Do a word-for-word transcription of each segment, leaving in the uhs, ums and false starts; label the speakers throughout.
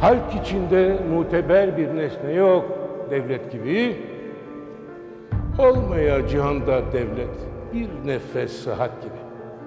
Speaker 1: Halk içinde muteber bir nesne yok devlet gibi. Olmaya cihanda devlet bir nefes sıhhat gibi.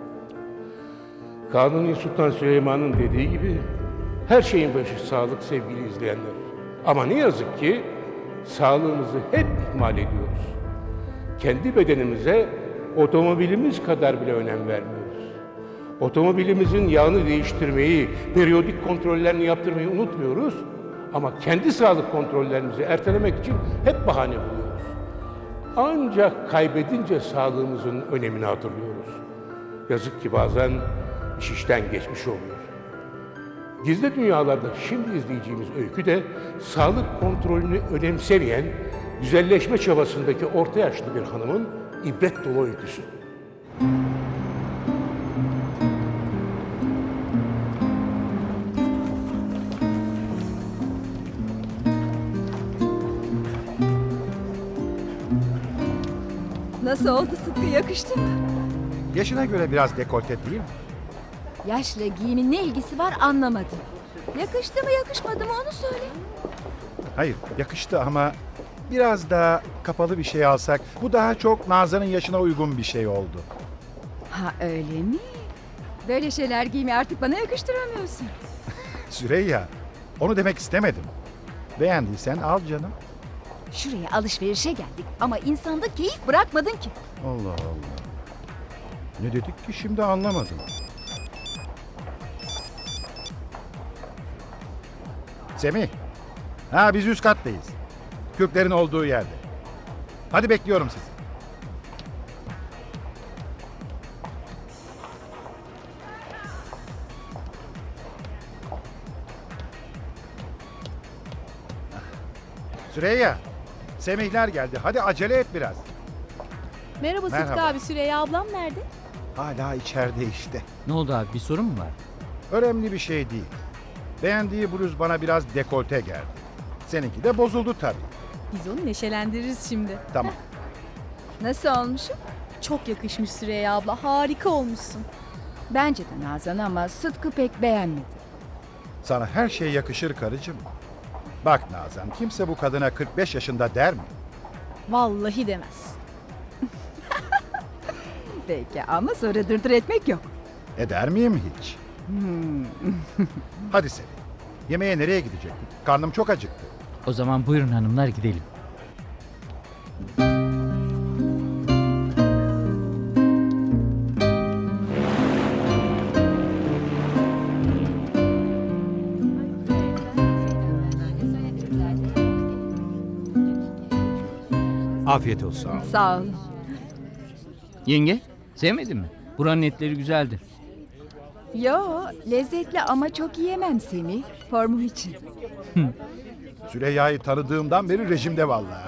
Speaker 1: Kanuni Sultan Süleyman'ın dediği gibi her şeyin başı sağlık sevgili izleyenler. Ama ne yazık ki sağlığımızı hep ihmal ediyoruz. Kendi bedenimize otomobilimiz kadar bile önem vermiyoruz. Otomobilimizin yağını değiştirmeyi, periyodik kontrollerini yaptırmayı unutmuyoruz. Ama kendi sağlık kontrollerimizi ertelemek için hep bahane buluyoruz. Ancak kaybedince sağlığımızın önemini hatırlıyoruz. Yazık ki bazen iş işten geçmiş oluyor. Gizli Dünyalarda şimdi izleyeceğimiz öykü de sağlık kontrolünü önemsemeyen, güzelleşme çabasındaki orta yaşlı bir hanımın ibret dolu öyküsü.
Speaker 2: Nasıl oldu Sıtkı, yakıştı mı?
Speaker 3: Yaşına göre biraz dekolte değil mi?
Speaker 2: Yaşla giyimin ne ilgisi var anlamadım. Yakıştı mı yakışmadı mı onu söyle.
Speaker 3: Hayır, yakıştı ama biraz daha kapalı bir şey alsak bu daha çok Nazan'ın yaşına uygun bir şey oldu.
Speaker 2: Ha öyle mi? Böyle şeyler giymeyi artık bana yakıştıramıyorsun.
Speaker 3: Süreyya, onu demek istemedim. Beğendiysen al canım.
Speaker 2: Şuraya alışverişe geldik ama insanda keyif bırakmadın ki.
Speaker 3: Allah Allah. Ne dedik ki şimdi anlamadım. Semih. Ha biz üst kattayız. Kürklerin olduğu yerde. Hadi bekliyorum sizi. Süreyya. Semihler geldi. Hadi acele et biraz.
Speaker 4: Merhaba Sıtkı
Speaker 3: Merhaba.
Speaker 4: abi, Süreyya ablam nerede?
Speaker 3: Hala içeride işte.
Speaker 5: Ne oldu abi, bir sorun mu var?
Speaker 3: Önemli bir şey değil. Beğendiği bluz bana biraz dekolte geldi. Seninki de bozuldu tabii.
Speaker 4: Biz onu neşelendiririz şimdi.
Speaker 3: Tamam.
Speaker 2: Nasıl olmuşum?
Speaker 4: Çok yakışmış Süreyya abla, harika olmuşsun.
Speaker 2: Bence de Nazan ama Sıtkı pek beğenmedi.
Speaker 3: Sana her şey yakışır karıcığım. Bak Nazan, kimse bu kadına kırk beş yaşında der mi?
Speaker 4: Vallahi demez.
Speaker 2: Peki ama sonra dırdır etmek yok.
Speaker 3: Eder miyim hiç? Hadi seni. Yemeğe nereye gidecektik? Karnım çok acıktı.
Speaker 5: O zaman buyurun hanımlar, gidelim.
Speaker 6: Afiyet olsun.
Speaker 2: Sağ ol.
Speaker 5: Yenge, sevmedin mi? Buranın etleri güzeldi.
Speaker 2: Yo, lezzetli ama çok yiyemem Semih. Formu için.
Speaker 3: Süreyya'yı tanıdığımdan beri rejimde vallahi.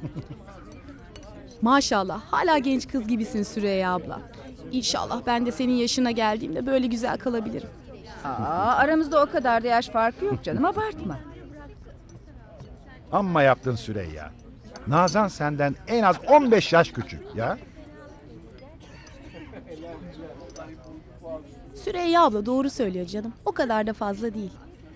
Speaker 4: Maşallah, hala genç kız gibisin Süreyya abla. İnşallah ben de senin yaşına geldiğimde böyle güzel kalabilirim.
Speaker 2: Aa, aramızda o kadar da yaş farkı yok canım, abartma.
Speaker 3: Amma yaptın Süreyya. Nazan senden en az on beş yaş küçük ya.
Speaker 4: Süreyya abla doğru söylüyor canım. O kadar da fazla değil.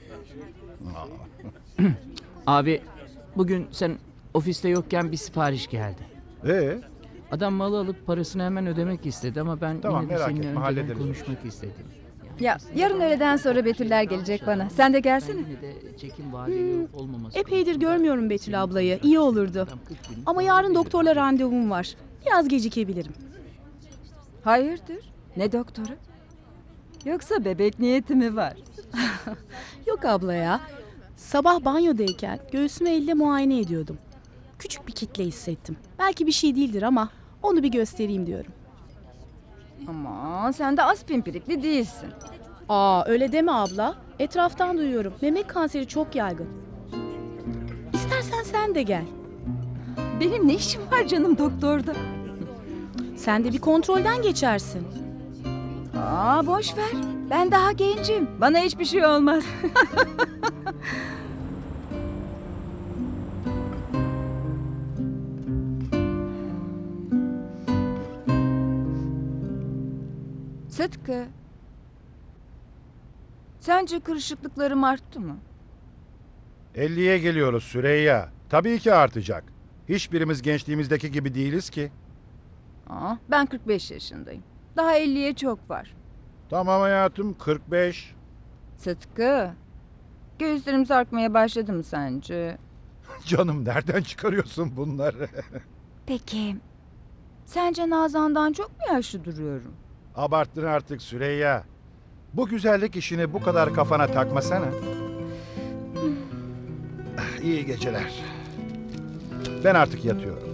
Speaker 5: Abi, bugün sen ofiste yokken bir sipariş geldi.
Speaker 3: Ee,
Speaker 5: Adam malı alıp parasını hemen ödemek istedi ama ben
Speaker 3: Tamam,
Speaker 5: yine de
Speaker 3: merak
Speaker 5: seninle
Speaker 3: etme,
Speaker 5: önceden
Speaker 3: hallederiz o
Speaker 5: konuşmak istedim.
Speaker 2: Ya yarın öğleden sonra Betüller gelecek bana. Sen de gelsene.
Speaker 5: Yine de çekim vadeli olmaması.
Speaker 4: Epeydir görmüyorum Betül ablayı. İyi olurdu. Ama yarın doktorla randevum var. Biraz gecikebilirim.
Speaker 2: Hayırdır? Ne doktoru? Yoksa bebek niyeti mi var?
Speaker 4: Yok abla ya. Sabah banyodayken göğsümü elle muayene ediyordum. Küçük bir kitle hissettim. Belki bir şey değildir ama onu bir göstereyim diyorum.
Speaker 2: Aman sen de az pimpirikli değilsin.
Speaker 4: Aa öyle deme abla. Etraftan duyuyorum. Memek kanseri çok yaygın. İstersen sen de gel.
Speaker 2: Benim ne işim var canım doktorda?
Speaker 4: Sen de bir kontrolden geçersin.
Speaker 2: Aa boş ver. Ben daha gencim. Bana hiçbir şey olmaz. Sıtkı. Sence kırışıklıklarım arttı mı?
Speaker 3: elliye geliyoruz Süreyya. Tabii ki artacak. Hiçbirimiz gençliğimizdeki gibi değiliz ki.
Speaker 2: Aa, ben kırk beş yaşındayım. Daha elliye çok var.
Speaker 3: Tamam hayatım, kırk beş.
Speaker 2: Sıtkı, göğüslerim sarkmaya başladı mı sence?
Speaker 3: Canım nereden çıkarıyorsun bunları?
Speaker 2: Peki, sence Nazan'dan çok mu yaşlı duruyorum?
Speaker 3: Abarttın artık Süreyya. Bu güzellik işini bu kadar kafana takmasana. İyi geceler. Ben artık yatıyorum.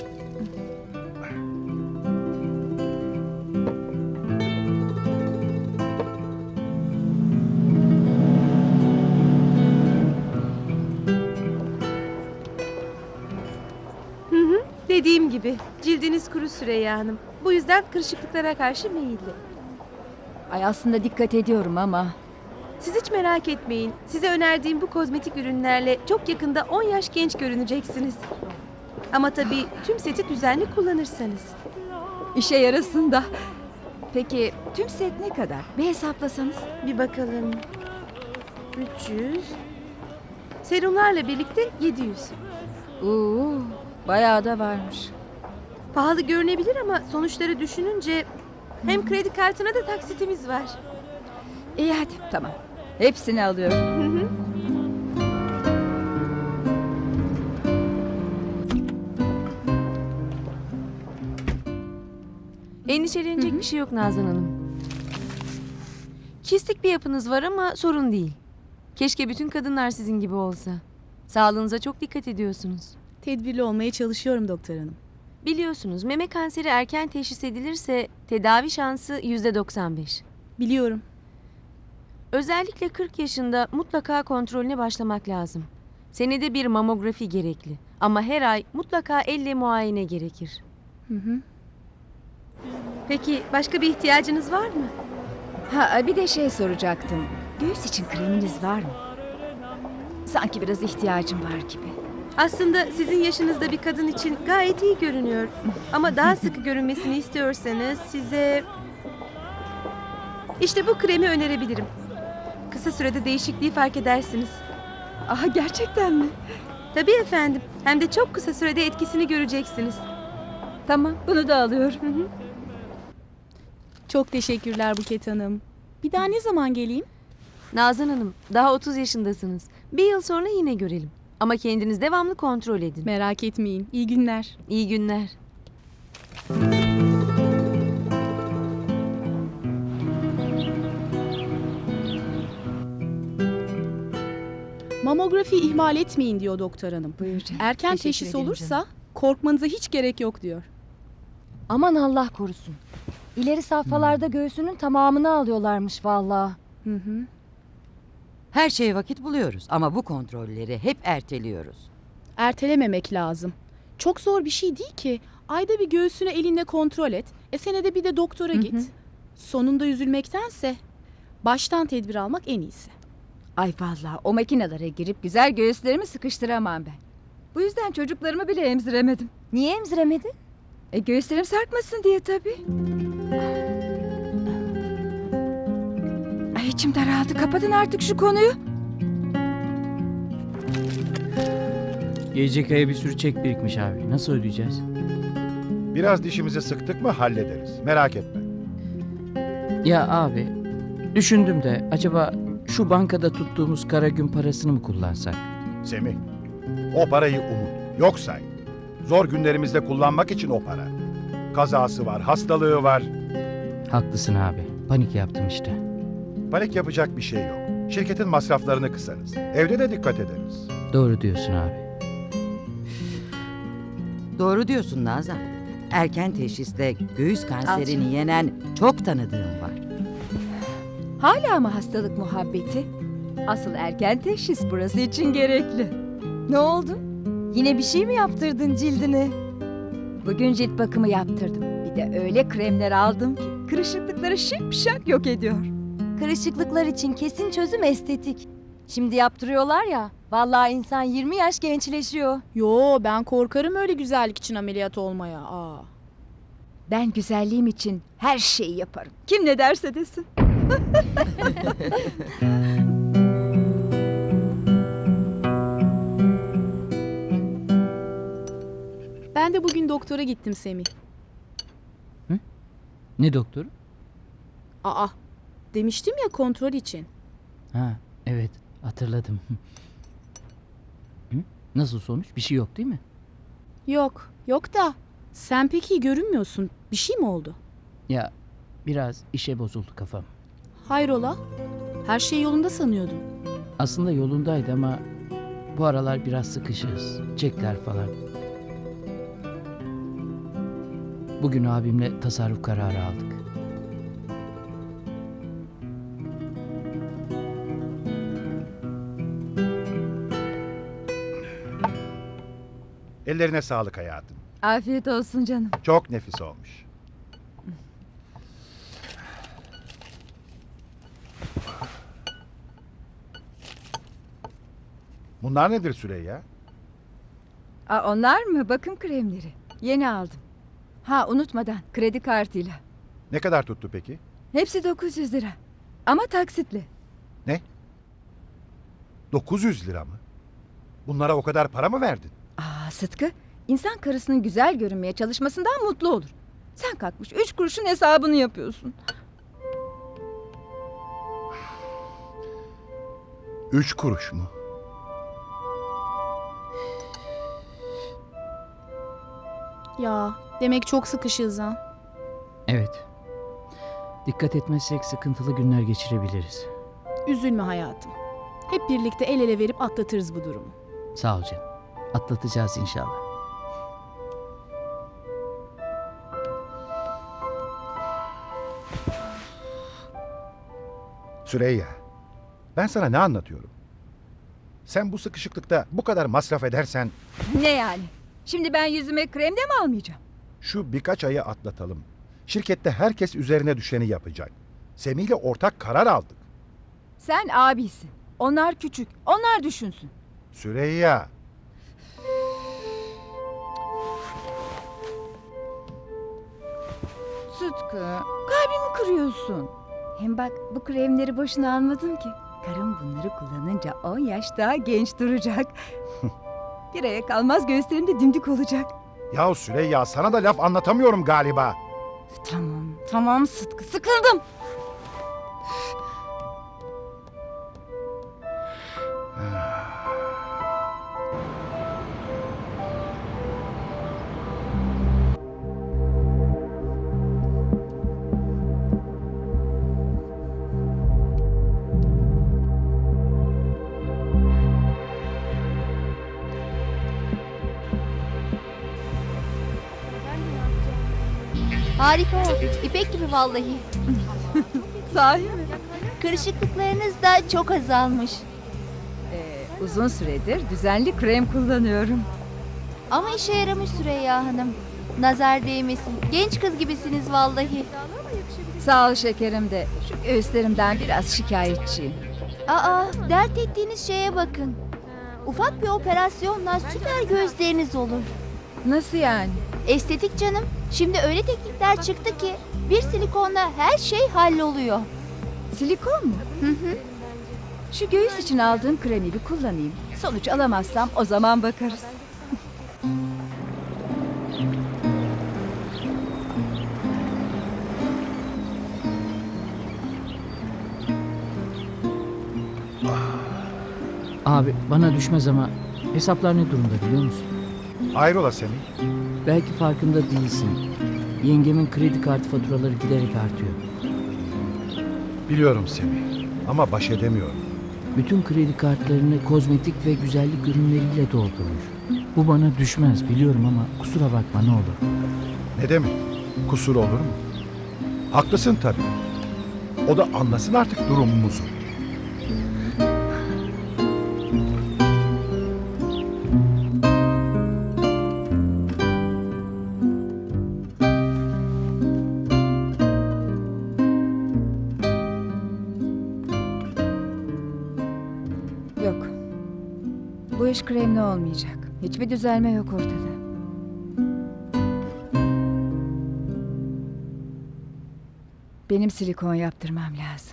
Speaker 6: Dediğim gibi cildiniz kuru Süreyya Hanım. Bu yüzden kırışıklıklara karşı meyilli.
Speaker 2: Ay aslında dikkat ediyorum ama...
Speaker 6: Siz hiç merak etmeyin. Size önerdiğim bu kozmetik ürünlerle çok yakında on yaş genç görüneceksiniz. Ama tabii tüm seti düzenli kullanırsanız.
Speaker 2: işe yarasın da. Peki tüm set ne kadar? Bir hesaplasanız.
Speaker 6: Bir bakalım. üç yüz. Serumlarla birlikte yedi yüz.
Speaker 2: Oo, bayağı da varmış.
Speaker 6: Pahalı görünebilir ama sonuçları düşününce hem kredi kartına da taksitimiz var.
Speaker 2: İyi hadi tamam. Hepsini alıyorum.
Speaker 6: Endişelenecek bir şey yok Nazan Hanım. Kistik bir yapınız var ama sorun değil. Keşke bütün kadınlar sizin gibi olsa. Sağlığınıza çok dikkat ediyorsunuz.
Speaker 4: Tedbirli olmaya çalışıyorum doktor hanım.
Speaker 6: Biliyorsunuz meme kanseri erken teşhis edilirse tedavi şansı yüzde doksan beş.
Speaker 4: Biliyorum.
Speaker 6: Özellikle kırk yaşında mutlaka kontrolüne başlamak lazım. Senede bir mamografi gerekli. Ama her ay mutlaka elle muayene gerekir.
Speaker 4: Hı hı.
Speaker 6: Peki başka bir ihtiyacınız var mı?
Speaker 2: Ha bir de şey soracaktım. Göğüs için kreminiz var mı? Sanki biraz ihtiyacım var gibi.
Speaker 6: Aslında sizin yaşınızda bir kadın için gayet iyi görünüyor. Ama daha sıkı görünmesini istiyorsanız size... İşte bu kremi önerebilirim. Kısa sürede değişikliği fark edersiniz.
Speaker 2: Aha gerçekten mi?
Speaker 6: Tabii efendim. Hem de çok kısa sürede etkisini göreceksiniz.
Speaker 2: Tamam bunu da alıyorum.
Speaker 6: Hı hı.
Speaker 4: Çok teşekkürler Buket hanım. Bir daha ne zaman geleyim?
Speaker 6: Nazan Hanım, daha otuz yaşındasınız. Bir yıl sonra yine görelim. Ama kendiniz devamlı kontrol edin.
Speaker 4: Merak etmeyin. İyi günler.
Speaker 6: İyi günler.
Speaker 4: Mamografi ihmal etmeyin diyor doktor hanım.
Speaker 2: Buyur canım.
Speaker 4: Erken
Speaker 2: Teşekkür
Speaker 4: teşhis
Speaker 2: ederim
Speaker 4: olursa
Speaker 2: canım.
Speaker 4: korkmanıza hiç gerek yok diyor.
Speaker 7: Aman Allah korusun. İleri safhalarda göğsünün tamamını alıyorlarmış vallahi.
Speaker 4: Hı hı.
Speaker 8: Her şeye vakit buluyoruz ama bu kontrolleri hep erteliyoruz.
Speaker 4: Ertelememek lazım. Çok zor bir şey değil ki. Ayda bir göğsünü elinle kontrol et. E senede bir de doktora git.
Speaker 2: hı.
Speaker 4: Sonunda üzülmektense baştan tedbir almak en iyisi.
Speaker 2: Ay vallahi o makinelere girip güzel göğüslerimi sıkıştıramam ben. Bu yüzden çocuklarımı bile emziremedim.
Speaker 7: Niye emziremedin?
Speaker 2: E göğüslerim sarkmasın diye tabii. Ay içim daraldı. Kapatın artık şu konuyu.
Speaker 5: Gelecek aya bir sürü çek birikmiş abi. Nasıl ödeyeceğiz?
Speaker 3: Biraz dişimizi sıktık mı hallederiz. Merak etme.
Speaker 5: Ya abi, düşündüm de acaba şu bankada tuttuğumuz kara gün parasını mı kullansak?
Speaker 3: Semih, o parayı unut. Yok say. Zor günlerimizde kullanmak için o para. Kazası var, hastalığı var.
Speaker 5: Haklısın abi. Panik yaptım işte.
Speaker 3: Panik yapacak bir şey yok. Şirketin masraflarını kısarız. Evde de dikkat ederiz.
Speaker 5: Doğru diyorsun abi.
Speaker 8: Doğru diyorsun Nazan. Erken teşhiste göğüs kanserini yenen çok tanıdığım var.
Speaker 2: Hala mı hastalık muhabbeti? Asıl erken teşhis burası için gerekli.
Speaker 7: Ne oldu? Yine bir şey mi yaptırdın cildine?
Speaker 2: Bugün cilt bakımı yaptırdım. Bir de öyle kremler aldım ki kırışıklıkları şipşak yok ediyor.
Speaker 7: Kırışıklıklar için kesin çözüm estetik. Şimdi yaptırıyorlar ya. Vallahi insan yirmi yaş gençleşiyor.
Speaker 4: Yo ben korkarım öyle güzellik için ameliyat olmaya. Aa.
Speaker 2: Ben güzelliğim için her şeyi yaparım. Kim ne derse desin.
Speaker 4: doktora gittim Semih.
Speaker 5: Ne doktoru?
Speaker 4: Aa, demiştim ya kontrol için.
Speaker 5: Ha, evet hatırladım. Hı? Nasıl sonuç? Bir şey yok değil mi?
Speaker 4: Yok, yok da sen pek iyi görünmüyorsun. Bir şey mi oldu?
Speaker 5: Ya biraz işe bozuldu kafam.
Speaker 4: Hayrola? Her şey yolunda sanıyordum.
Speaker 5: Aslında yolundaydı ama bu aralar biraz sıkışığız. Çekler falan. Bugün abimle tasarruf kararı aldık.
Speaker 3: Ellerine sağlık hayatım.
Speaker 7: Afiyet olsun canım.
Speaker 3: Çok nefis olmuş. Bunlar nedir Süreyya?
Speaker 7: Aa, onlar mı? Bakım kremleri. Yeni aldım. Ha, unutmadan kredi kartıyla.
Speaker 3: Ne kadar tuttu peki?
Speaker 7: Hepsi dokuz yüz lira. Ama taksitli.
Speaker 3: dokuz yüz lira mı? Bunlara o kadar para mı verdin?
Speaker 7: Aa Sıtkı, insan karısının güzel görünmeye çalışmasından mutlu olur. Sen kalkmış üç kuruşun hesabını yapıyorsun.
Speaker 3: Üç kuruş mu?
Speaker 4: Ya, demek çok sıkışığız ha.
Speaker 5: Evet. Dikkat etmezsek sıkıntılı günler geçirebiliriz.
Speaker 4: Üzülme hayatım. Hep birlikte el ele verip atlatırız bu durumu.
Speaker 5: Sağ ol canım. Atlatacağız inşallah.
Speaker 3: Süreyya, ben sana ne anlatıyorum? Sen bu sıkışıklıkta bu kadar masraf edersen
Speaker 7: Ne yani? Şimdi ben yüzüme krem de mi almayacağım?
Speaker 3: şu birkaç ayı atlatalım. Şirkette herkes üzerine düşeni yapacak. Semih'le ortak karar aldık.
Speaker 7: Sen abisin. Onlar küçük. Onlar düşünsün.
Speaker 3: Süreyya,
Speaker 7: Sıtkı, kalbimi kırıyorsun. Hem bak bu kremleri boşuna almadım ki. Karım bunları kullanınca on yaş daha genç duracak. Bir aya kalmaz göğüslerim de dimdik olacak.
Speaker 3: ya Süreyya sana da laf anlatamıyorum galiba.
Speaker 7: Tamam, tamam Sıtkı. Sıkıldım.
Speaker 9: Harika oldu. İpek gibi vallahi.
Speaker 7: Sahi mi?
Speaker 9: Kırışıklıklarınız da çok azalmış.
Speaker 7: Ee, uzun süredir düzenli krem kullanıyorum.
Speaker 9: Ama işe yaramış Süreyya Hanım. Nazar değmesin. Genç kız gibisiniz vallahi.
Speaker 7: Sağ ol şekerim de şu göğüslerimden biraz şikayetçiyim.
Speaker 9: Aa, dert ettiğiniz şeye bakın. Ufak bir operasyonla süper gözleriniz olur.
Speaker 7: Nasıl yani?
Speaker 9: Estetik canım. Şimdi öyle teknikler çıktı ki bir silikonla her şey halloluyor.
Speaker 7: Silikon mu?
Speaker 9: Hı hı.
Speaker 7: Şu göğüs için aldığım kremi bir kullanayım. Sonuç alamazsam o zaman bakarız.
Speaker 5: Abi bana düşmez ama hesaplar ne durumda biliyor musun?
Speaker 3: Hayrola Semih?
Speaker 5: Belki farkında değilsin. Yengemin kredi kartı faturaları giderek artıyor.
Speaker 3: Biliyorum Semih ama baş edemiyorum.
Speaker 5: Bütün kredi kartlarını kozmetik ve güzellik ürünleriyle doldurmuş. Bu bana düşmez biliyorum ama kusura bakma ne olur.
Speaker 3: Ne demek? Kusur olur mu? Haklısın tabii. O da anlasın artık durumumuzu.
Speaker 7: Yok. Bu iş kremli olmayacak. Hiçbir düzelme yok ortada. Benim silikon yaptırmam lazım.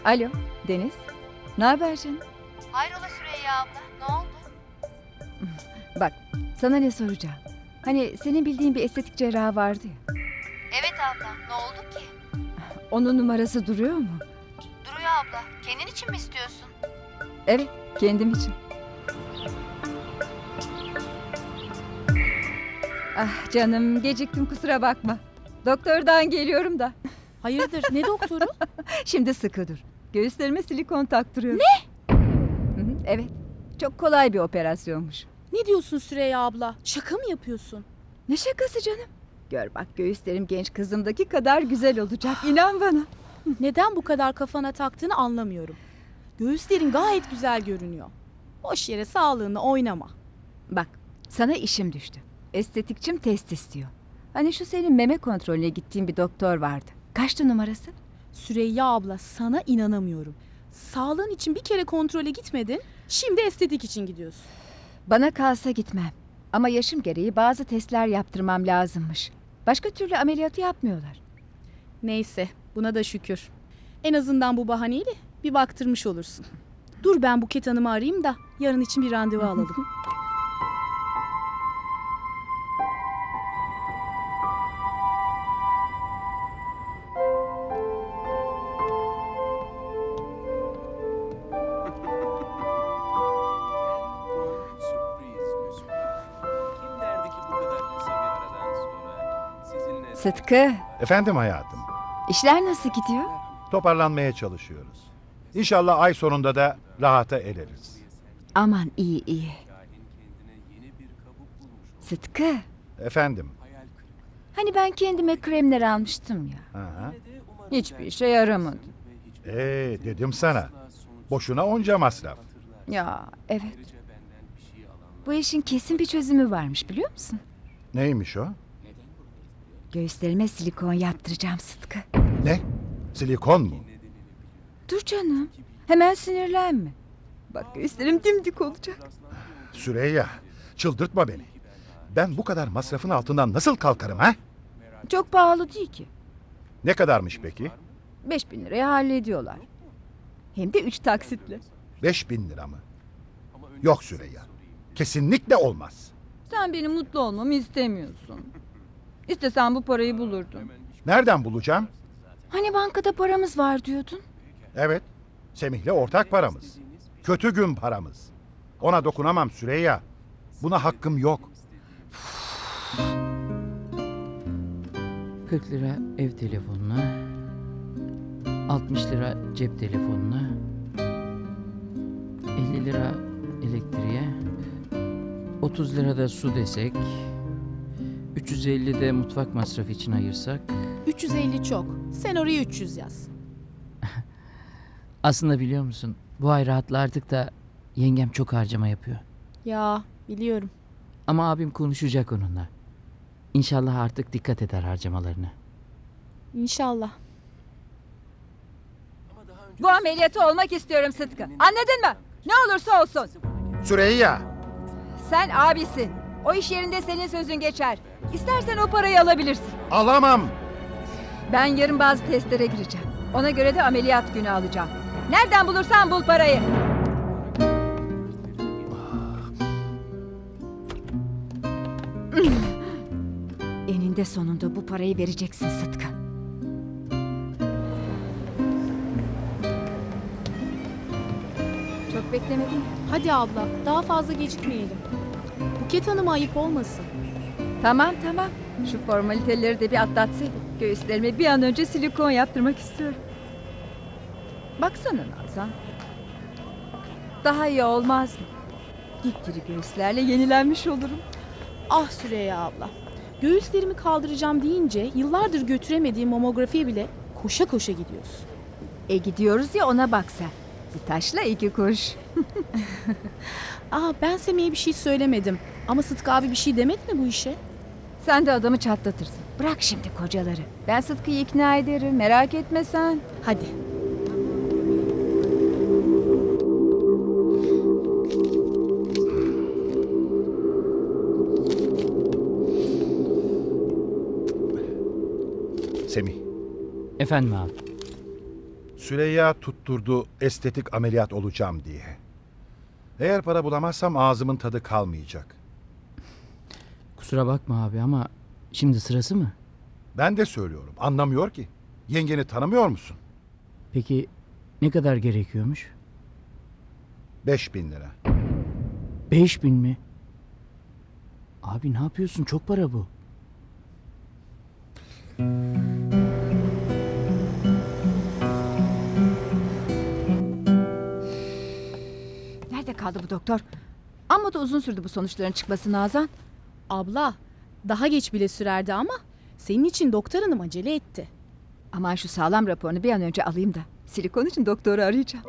Speaker 7: Alo Deniz. Ne haber canım?
Speaker 9: Hayrola Süreyya abla, ne oldu?
Speaker 7: Bak sana ne soracağım. Hani senin bildiğin bir estetik cerrahı vardı ya.
Speaker 9: Evet abla, ne oldu ki?
Speaker 7: Onun numarası duruyor mu?
Speaker 9: Duruyor abla, kendin için mi istiyorsun?
Speaker 7: Evet, kendim için. Ah canım, geciktim kusura bakma. Doktordan geliyorum da.
Speaker 4: Hayırdır ne doktoru?
Speaker 7: Şimdi sıkı dur. Göğüslerime silikon taktırıyorum. Ne? Hı hı, evet. Çok kolay bir operasyonmuş.
Speaker 4: Ne diyorsun Süreyya abla? Şaka mı yapıyorsun?
Speaker 7: Ne şakası canım? Gör bak göğüslerim genç kızımdaki kadar güzel olacak. İnan bana.
Speaker 4: Neden bu kadar kafana taktığını anlamıyorum. Göğüslerin gayet güzel görünüyor. Boş yere sağlığını oynama.
Speaker 7: Bak sana işim düştü. Estetikçim test istiyor. Hani şu senin meme kontrolüne gittiğin bir doktor vardı. Kaçtı numarası?
Speaker 4: Süreyya abla sana inanamıyorum. Sağlığın için bir kere kontrole gitmedin. Şimdi estetik için gidiyorsun.
Speaker 7: Bana kalsa gitmem. Ama yaşım gereği bazı testler yaptırmam lazımmış. Başka türlü ameliyatı yapmıyorlar.
Speaker 4: Neyse buna da şükür. En azından bu bahaneyle bir baktırmış olursun. Dur ben Buket Hanım'ı arayayım da yarın için bir randevu alalım.
Speaker 7: Sıtkı,
Speaker 3: Efendim hayatım.
Speaker 7: işler nasıl gidiyor?
Speaker 3: Toparlanmaya çalışıyoruz. İnşallah ay sonunda da rahata ereriz.
Speaker 7: Aman iyi iyi. Sıtkı,
Speaker 3: Efendim.
Speaker 7: hani ben kendime kremler almıştım ya.
Speaker 3: Ha.
Speaker 7: Hiçbir işe yaramadı.
Speaker 3: Ee, dedim sana. Boşuna onca masraf.
Speaker 7: Ya evet. Bu işin kesin bir çözümü varmış biliyor musun?
Speaker 3: Neymiş o?
Speaker 7: Göğüslerime silikon yaptıracağım Sıtkı.
Speaker 3: Ne? Silikon mu?
Speaker 7: Dur canım. Hemen sinirlenme. Bak göğüslerim dimdik olacak.
Speaker 3: Süreyya, çıldırtma beni. Ben bu kadar masrafın altından nasıl kalkarım ha?
Speaker 7: Çok pahalı değil ki.
Speaker 3: Ne kadarmış peki?
Speaker 7: Beş bin liraya hallediyorlar. Hem de üç taksitle.
Speaker 3: Beş bin lira mı? Yok Süreyya. Kesinlikle olmaz.
Speaker 7: Sen benim mutlu olmamı istemiyorsun. İstesen bu parayı bulurdun.
Speaker 3: Nereden bulacağım?
Speaker 7: Hani bankada paramız var diyordun?
Speaker 3: Evet. Semih'le ortak paramız. Kötü gün paramız. Ona dokunamam Süreyya. Buna hakkım yok.
Speaker 5: kırk lira ev telefonuna, altmış lira cep telefonuna, elli lira elektriğe, otuz lira da su desek, üç yüz elli de mutfak masrafı için ayırsak.
Speaker 4: üç yüz elli çok. Sen oraya üç yüz yaz.
Speaker 5: Aslında biliyor musun, bu ay rahatlardık da yengem çok harcama yapıyor.
Speaker 4: Ya biliyorum.
Speaker 5: Ama abim konuşacak onunla. İnşallah artık dikkat eder harcamalarına.
Speaker 4: İnşallah.
Speaker 7: Bu ameliyatı olmak istiyorum Sıtkı. Anladın mı? Ne olursa olsun.
Speaker 3: Süreyya!
Speaker 7: Sen abisin. O iş yerinde senin sözün geçer. İstersen o parayı alabilirsin.
Speaker 3: Alamam!
Speaker 7: Ben yarın bazı testlere gireceğim. Ona göre de ameliyat günü alacağım. Nereden bulursan bul parayı. Eninde sonunda bu parayı vereceksin Sıtkı. Çok beklemedim.
Speaker 4: Hadi abla daha fazla gecikmeyelim. Buket Hanım'a ayıp olmasın.
Speaker 7: Tamam tamam. Şu formaliteleri de bir atlatsaydık. Göğüslerime bir an önce silikon yaptırmak istiyorum. Baksana Nazan. Daha iyi olmaz mı? Dipdiri göğüslerle yenilenmiş olurum.
Speaker 4: Ah Süreyya abla. Göğüslerimi kaldıracağım deyince yıllardır götüremediğim mamografiye bile koşa koşa gidiyorsun.
Speaker 7: E gidiyoruz ya ona bak sen. Bir taşla iki kuş.
Speaker 4: Aa ben Semih'e bir şey söylemedim. Ama Sıtkı abi bir şey demedi mi bu işe?
Speaker 7: Sen de adamı çatlatırsın. Bırak şimdi kocaları. Ben Sıtkı'yı ikna ederim. Merak etme sen.
Speaker 4: Hadi.
Speaker 3: Semih,
Speaker 5: Efendim abi.
Speaker 3: Süreyya tutturdu estetik ameliyat olacağım diye. Eğer para bulamazsam ağzımın tadı kalmayacak.
Speaker 5: Kusura bakma abi ama şimdi sırası mı?
Speaker 3: Ben de söylüyorum. Anlamıyor ki. Yengeni tanımıyor musun?
Speaker 5: Peki ne kadar gerekiyormuş?
Speaker 3: Beş bin lira.
Speaker 5: Beş bin mi? Abi ne yapıyorsun? Çok para bu.
Speaker 2: Nerede kaldı bu doktor? Amma da uzun sürdü bu sonuçların çıkması Nazan.
Speaker 4: Abla, daha geç bile sürerdi ama senin için doktor hanım acele etti.
Speaker 2: Aman şu sağlam raporunu bir an önce alayım da. Silikon için doktoru arayacağım.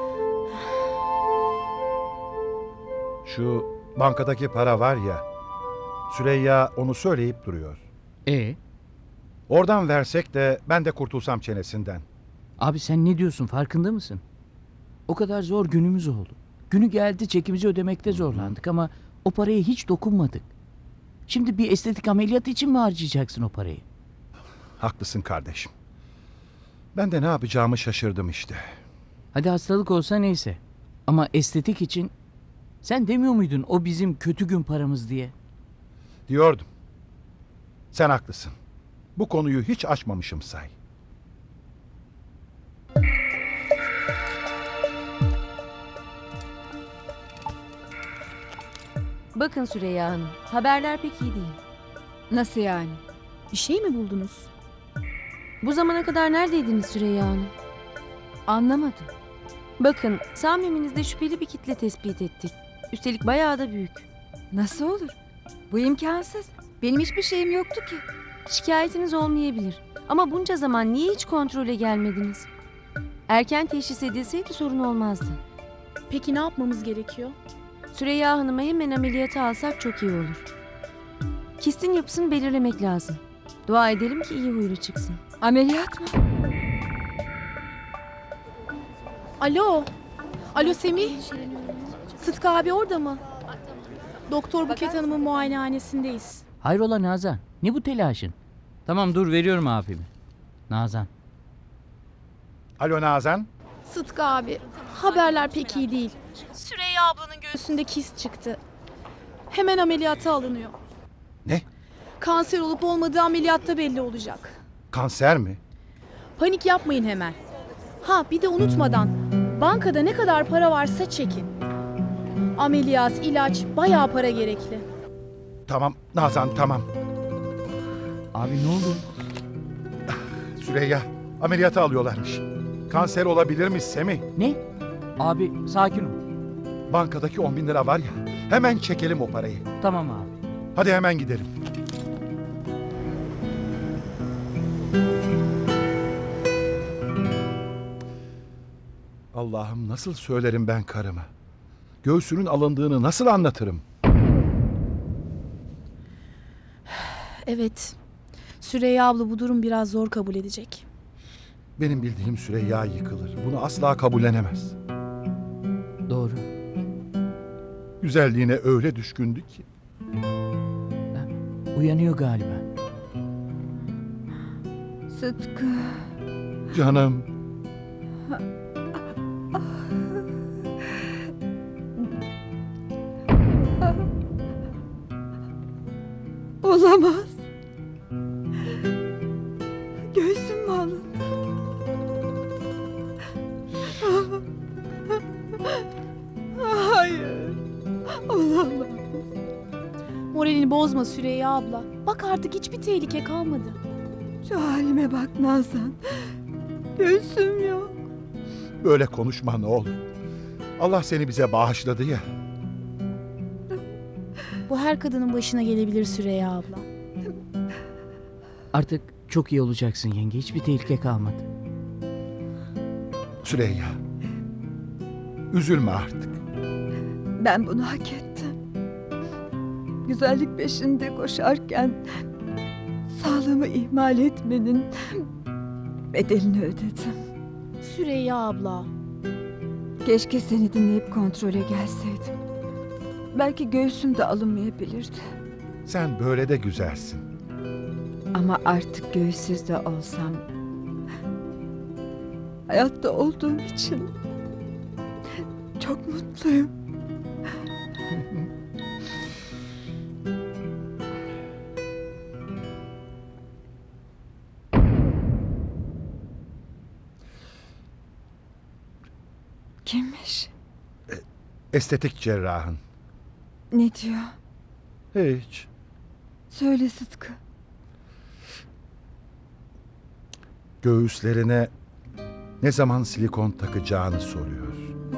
Speaker 3: Şu bankadaki para var ya. Süreyya onu söyleyip duruyor.
Speaker 5: E
Speaker 3: Oradan versek de ben de kurtulsam çenesinden.
Speaker 5: abi sen ne diyorsun? Farkında mısın? O kadar zor günümüz oldu. Günü geldi çekimizi ödemekte zorlandık ama o paraya hiç dokunmadık. Şimdi bir estetik ameliyat için mi harcayacaksın o parayı?
Speaker 3: Haklısın kardeşim. Ben de ne yapacağımı şaşırdım işte.
Speaker 5: Hadi hastalık olsa neyse. Ama estetik için sen demiyor muydun o bizim kötü gün paramız diye?
Speaker 3: Diyordum. Sen haklısın. Bu konuyu hiç açmamışım say.
Speaker 6: Bakın Süreyya Hanım, haberler pek iyi değil.
Speaker 2: Nasıl yani?
Speaker 4: Bir şey mi buldunuz?
Speaker 6: Bu zamana kadar neredeydiniz Süreyya Hanım?
Speaker 2: Anlamadım.
Speaker 6: Bakın, Sami'minizde şüpheli bir kitle tespit ettik. Üstelik bayağı da büyük.
Speaker 2: Nasıl olur? Bu imkansız. Benim hiçbir şeyim yoktu ki.
Speaker 6: Şikayetiniz olmayabilir. Ama bunca zaman niye hiç kontrole gelmediniz? Erken teşhis edilseydi sorun olmazdı.
Speaker 4: Peki ne yapmamız gerekiyor?
Speaker 6: Süreyya Hanım'ı hemen ameliyata alsak çok iyi olur. Kistin yapısını belirlemek lazım. Dua edelim ki iyi huylu çıksın.
Speaker 2: Ameliyat mı?
Speaker 4: Alo. Alo Semih. Sıtkı abi orada mı? Doktor Buket Hanım'ın muayenehanesindeyiz.
Speaker 5: Hayrola Nazan? Ne bu telaşın? Tamam dur veriyorum abimi. Nazan.
Speaker 3: Alo Nazan.
Speaker 4: Sıtkı abi, haberler pek iyi değil. Süreyya ablanın göğsünde kist çıktı. Hemen ameliyata alınıyor.
Speaker 3: Ne?
Speaker 4: Kanser olup olmadığı ameliyatta belli olacak.
Speaker 3: Kanser mi?
Speaker 4: Panik yapmayın hemen. Ha bir de unutmadan, bankada ne kadar para varsa çekin. Ameliyat, ilaç, bayağı para gerekli.
Speaker 3: Tamam Nazan tamam.
Speaker 5: Abi ne oldu?
Speaker 3: Süreyya ameliyata alıyorlarmış. Kanser olabilirmiş Semih.
Speaker 5: Ne? Abi sakin ol.
Speaker 3: Bankadaki on bin lira var ya. Hemen çekelim o parayı.
Speaker 5: Tamam abi.
Speaker 3: Hadi hemen gidelim. Allah'ım nasıl söylerim ben karıma? Göğsünün alındığını nasıl anlatırım?
Speaker 4: Evet, Süreyya abla bu durum biraz zor kabul edecek.
Speaker 3: Benim bildiğim Süreyya yıkılır. Bunu asla kabullenemez.
Speaker 5: Doğru.
Speaker 3: Güzelliğine öyle düşkündü ki.
Speaker 5: Uyanıyor galiba.
Speaker 2: Sıtkı.
Speaker 3: Canım.
Speaker 7: Olamaz. Göğsüm mü alındı? Hayır. Olamaz.
Speaker 4: Moralini bozma Süreyya abla. Bak artık hiçbir tehlike kalmadı.
Speaker 7: Şu halime bak Nazan. Göğsüm yok.
Speaker 3: Böyle konuşma ne olur. Allah seni bize bağışladı ya.
Speaker 4: Bu her kadının başına gelebilir Süreyya abla.
Speaker 5: Artık çok iyi olacaksın yenge. Hiçbir tehlike kalmadı.
Speaker 3: Süreyya. Üzülme artık.
Speaker 7: Ben bunu hak ettim. Güzellik peşinde koşarken sağlığımı ihmal etmenin bedelini ödedim.
Speaker 4: Süreyya abla.
Speaker 7: Keşke seni dinleyip kontrole gelseydim. Belki göğsüm de alınmayabilirdi.
Speaker 3: Sen böyle de güzelsin.
Speaker 7: Ama artık göğüssüz de olsam hayatta olduğum için çok mutluyum. Kimmiş?
Speaker 3: Estetik cerrahın.
Speaker 7: Ne diyor?
Speaker 3: Hiç.
Speaker 7: Söyle Sıtkı.
Speaker 3: Göğüslerine ne zaman silikon takacağını soruyor.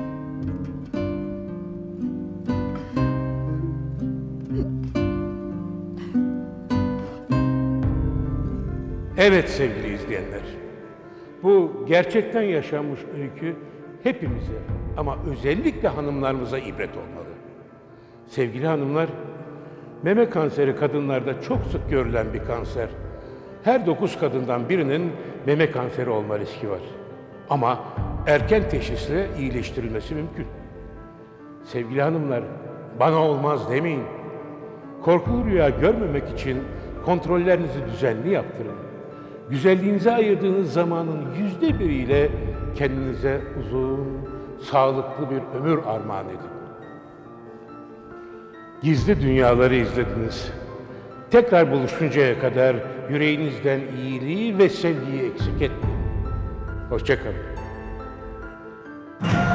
Speaker 1: Evet sevgili izleyenler, bu gerçekten yaşanmış öykü hepimize ama özellikle hanımlarımıza ibret olmalı. Sevgili hanımlar, meme kanseri kadınlarda çok sık görülen bir kanser. Her dokuz kadından birinin meme kanseri olma riski var. Ama erken teşhisle iyileştirilmesi mümkün. Sevgili hanımlar, bana olmaz demeyin. Korkulu rüya görmemek için kontrollerinizi düzenli yaptırın. Güzelliğinize ayırdığınız zamanın yüzde biriyle kendinize uzun, sağlıklı bir ömür armağan edin. Gizli dünyaları izlediniz. Tekrar buluşuncaya kadar yüreğinizden iyiliği ve sevgiyi eksik etmeyin. Hoşça kalın.